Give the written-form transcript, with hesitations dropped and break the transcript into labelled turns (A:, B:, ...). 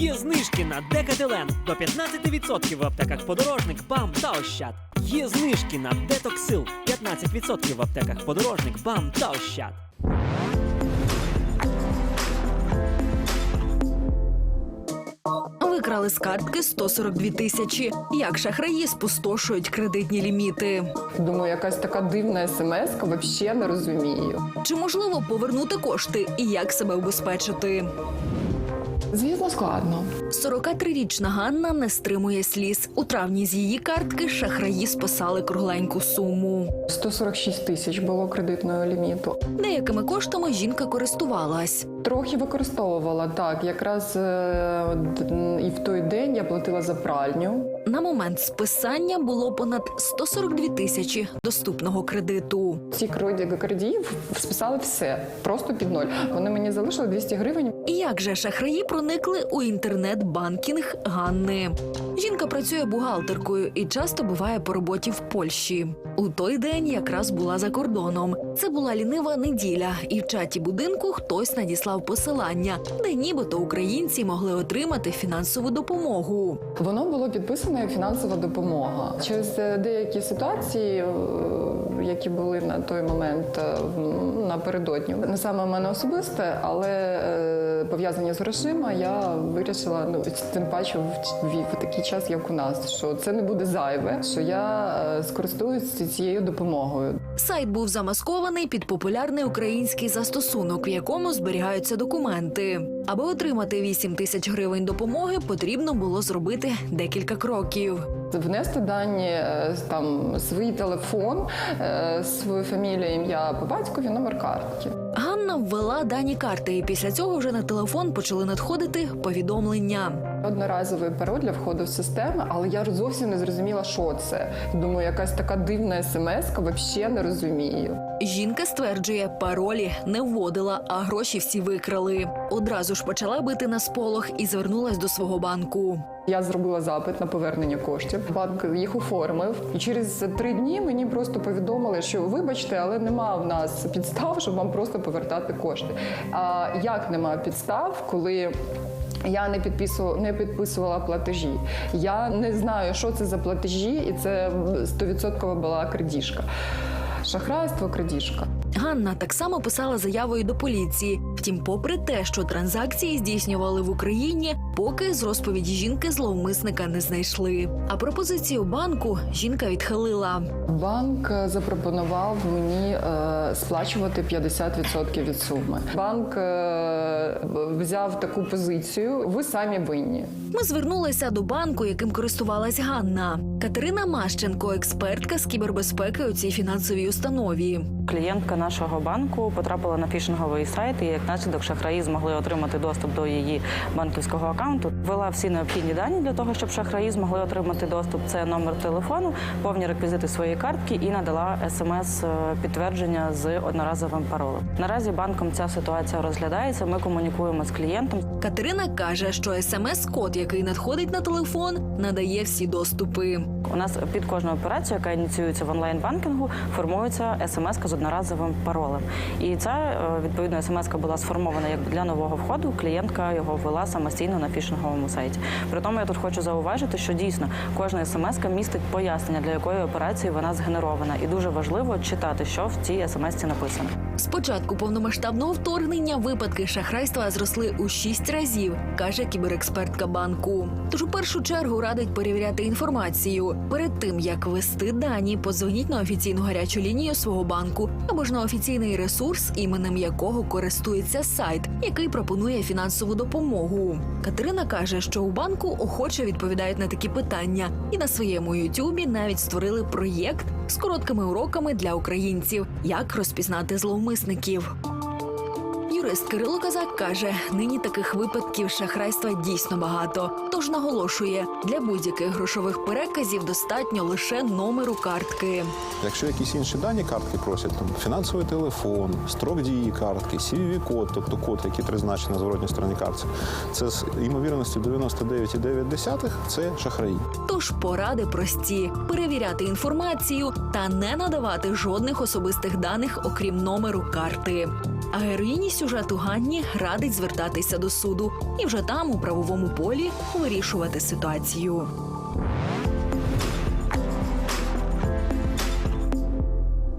A: Є знижки на Декателен до 15% в аптеках Подорожник, БАМ та Ощад. Є знижки на Детоксил 15% в аптеках Подорожник, БАМ та Ощад.
B: Викрали з картки 142 тисячі. Як шахраї спустошують кредитні ліміти?
C: Думаю, якась така дивна смс-ка, взагалі не розумію.
B: Чи можливо повернути кошти і як себе убезпечити?
C: Звісно, складно.
B: 43-річна Ганна не стримує сліз. У травні з її картки шахраї списали кругленьку суму.
C: 146 тисяч було кредитного ліміту.
B: Деякими коштами жінка користувалась.
C: Трохи використовувала, так. Якраз і в той день я платила за пральню.
B: На момент списання було понад 142 тисячі доступного кредиту.
C: Ці кредитів списали все, просто під ноль. Вони мені залишили 200 гривень.
B: І як же шахраї проникли у інтернет-банкінг Ганни? Жінка працює бухгалтеркою і часто буває по роботі в Польщі. У той день якраз була за кордоном. Це була лінива неділя, і в чаті будинку хтось надіслав посилання, де нібито українці могли отримати фінансову допомогу.
C: Воно було підписано як фінансова допомога. Через деякі ситуації, які були на той момент напередодні, не саме в мене особисте, але пов'язані з грошима, я вирішила, тим паче в такий час, як у нас, що це не буде зайве, що я скористуюся цією допомогою.
B: Сайт був замаскований під популярний український застосунок, в якому зберігаються документи. Аби отримати 8 тисяч гривень допомоги, потрібно було зробити декілька кроків.
C: Внести дані, там, свій телефон, свою фамілію, ім'я по батькові, номер картки.
B: Ганна ввела дані карти, і після цього вже на телефон почали надходити повідомлення.
C: Одноразовий пароль для входу в систему, але я зовсім не зрозуміла, що це. Думаю, якась така дивна смс-ка, взагалі не розумію.
B: Жінка стверджує, паролі не вводила, а гроші всі викрали. Одразу ж почала бити на сполох і звернулась до свого банку.
C: Я зробила запит на повернення коштів. Банк їх оформив. І через 3 дні мені просто повідомили, що вибачте, але нема в нас підстав, щоб вам просто повертати кошти. А як нема підстав, коли я не підписувала платежі? Я не знаю, що це за платежі, і це 100% була крадіжка. Шахрайство, крадіжка.
B: Ганна так само писала заявою до поліції. Втім, попри те, що транзакції здійснювали в Україні, поки з розповіді жінки зловмисника не знайшли. А пропозицію банку жінка відхилила.
C: Банк запропонував мені сплачувати 50% від суми. Банк взяв таку позицію: ви самі винні.
B: Ми звернулися до банку, яким користувалась Ганна. Катерина Мащенко, експертка з кібербезпеки у цій фінансовій установі.
D: Клієнтка нашого банку потрапила на фішинговий сайт, і як наслідок шахраї змогли отримати доступ до її банківського акаунту. Ввела всі необхідні дані для того, щоб шахраї змогли отримати доступ. Це номер телефону, повні реквізити своєї картки і надала смс-підтвердження з одноразовим паролем. Наразі банком ця ситуація розглядається, ми комунікуємо з клієнтом.
B: Катерина каже, що смс-код, який надходить на телефон, надає всі доступи.
D: У нас під кожну операцію, яка ініціюється в онлайн-банкінгу, формується смс-ка з одноразовим паролем. І ця, відповідно, смс-ка була сформована як для нового входу, клієнтка його ввела самостійно на фішинговому сайті. При тому я тут хочу зауважити, що дійсно кожна смс-ка містить пояснення, для якої операції вона згенерована. І дуже важливо читати, що в цій смс-ці написано.
B: З початку повномасштабного вторгнення випадки шахрайства зросли у 6 разів, каже кіберекспертка банку. Тож у першу чергу радить перевіряти інформацію. Перед тим, як ввести дані, подзвоніть на офіційну гарячу лінію свого банку або ж на офіційний ресурс, іменем якого користується сайт, який пропонує фінансову допомогу. Катерина каже, що у банку охоче відповідають на такі питання. І на своєму ютубі навіть створили проєкт з короткими уроками для українців, як розпізнати зловмисників. Юрист Кирило Казак каже, нині таких випадків шахрайства дійсно багато. Тож наголошує, для будь-яких грошових переказів достатньо лише номеру картки.
E: Якщо якісь інші дані картки просять, там фінансовий телефон, строк дії картки, CVV-код, тобто код, який призначений на зворотній стороні картки, це з ймовірністю 99,9 – це шахраї.
B: Тож поради прості – перевіряти інформацію та не надавати жодних особистих даних, окрім номеру карти. А героїні сюжету Ганні радить звертатися до суду і вже там, у правовому полі, вирішувати ситуацію.